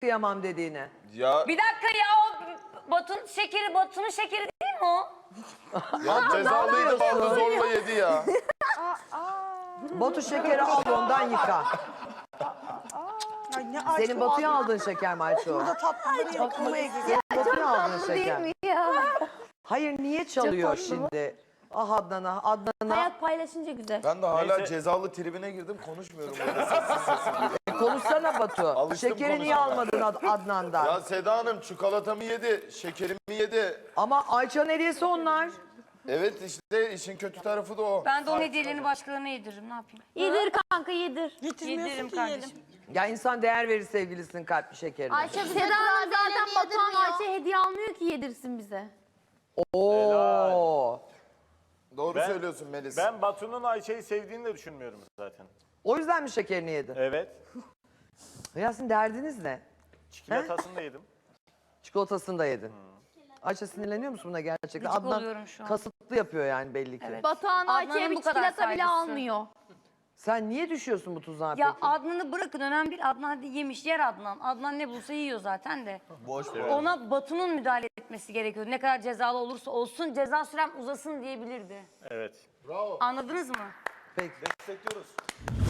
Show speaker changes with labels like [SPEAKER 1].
[SPEAKER 1] kıyamam dediğini.
[SPEAKER 2] Ya,
[SPEAKER 3] Bir dakika ya, o Batu'nun şekeri değil mi o?
[SPEAKER 2] ya cezalıydı vallahi zorla yedi ya.
[SPEAKER 1] Batu şekeri al ondan yıka.
[SPEAKER 4] Ay ne
[SPEAKER 1] Senin Batu'ya aldığın şeker mi Ayşe o?
[SPEAKER 4] Burada tatlıları yıkamaya gidiyor.
[SPEAKER 1] Batu'ya aldığın şeker.
[SPEAKER 5] Değil mi ya?
[SPEAKER 1] Hayır niye çalıyor şimdi? Ah Adnan'a.
[SPEAKER 5] Hayat paylaşınca güzel.
[SPEAKER 2] Ben de hala
[SPEAKER 6] Neyse.
[SPEAKER 2] cezalı tribine girdim, konuşmuyorum burada sessiz.
[SPEAKER 1] Konuşsana Batu.
[SPEAKER 2] Alıştım
[SPEAKER 1] Şekeri niye
[SPEAKER 2] konuşmaya.
[SPEAKER 1] almadın Adnan'dan?
[SPEAKER 2] Ya Seda Hanım çikolatamı yedi, şekerimi yedi.
[SPEAKER 1] Ama Ayça'nın hediyesi onlar.
[SPEAKER 2] Evet işte işin kötü tarafı da o.
[SPEAKER 3] Ben de onun hediyelerini başkalarına yediririm, ne yapayım?
[SPEAKER 5] Yedir kanka yedir.
[SPEAKER 4] Getirmiyorsun
[SPEAKER 3] Yediririm
[SPEAKER 4] ki
[SPEAKER 3] kardeşim.
[SPEAKER 4] yiyelim.
[SPEAKER 1] Ya insan değer verir sevgilisinin kalpli şekerine.
[SPEAKER 5] Ayşe Seda Hanım zaten Batuhan Ayşe hediye almıyor ki yedirsin bize.
[SPEAKER 1] Oo.
[SPEAKER 2] Doğru
[SPEAKER 6] Ben-
[SPEAKER 2] söylüyorsun Melis.
[SPEAKER 6] Ben Batu'nun Ayşe'yi sevdiğini de düşünmüyorum zaten.
[SPEAKER 1] O yüzden mi şekerini yedin?
[SPEAKER 6] Evet.
[SPEAKER 1] Ya sizin derdiniz ne?
[SPEAKER 6] Çikolatasını da yedim.
[SPEAKER 1] Çikolatasını da yedin. Ayşe sinirleniyor musun buna gerçekten?
[SPEAKER 3] Gıcık
[SPEAKER 1] Adnan
[SPEAKER 3] oluyorum şu an.
[SPEAKER 1] kasıtlı yapıyor yani belli ki.
[SPEAKER 3] Evet.
[SPEAKER 5] Batuhan
[SPEAKER 3] Adnan'ın
[SPEAKER 5] Ayşe'ye bir
[SPEAKER 3] bu kadar
[SPEAKER 5] çikolata bile
[SPEAKER 3] saygısı.
[SPEAKER 5] almıyor.
[SPEAKER 1] Sen niye düşüyorsun bu tuzağa
[SPEAKER 3] Ya
[SPEAKER 1] peki?
[SPEAKER 3] Adnan'ı bırakın, önemli değil. Adnan hadi yemiş, yer Adnan. Adnan ne bulsa yiyor zaten de.
[SPEAKER 2] Boş
[SPEAKER 3] Ona Batu'nun müdahale etmesi gerekiyor. Ne kadar cezalı olursa olsun, ceza sürem uzasın diyebilirdi.
[SPEAKER 6] Evet.
[SPEAKER 3] Anladınız mı?
[SPEAKER 1] Peki.
[SPEAKER 2] Destekliyoruz.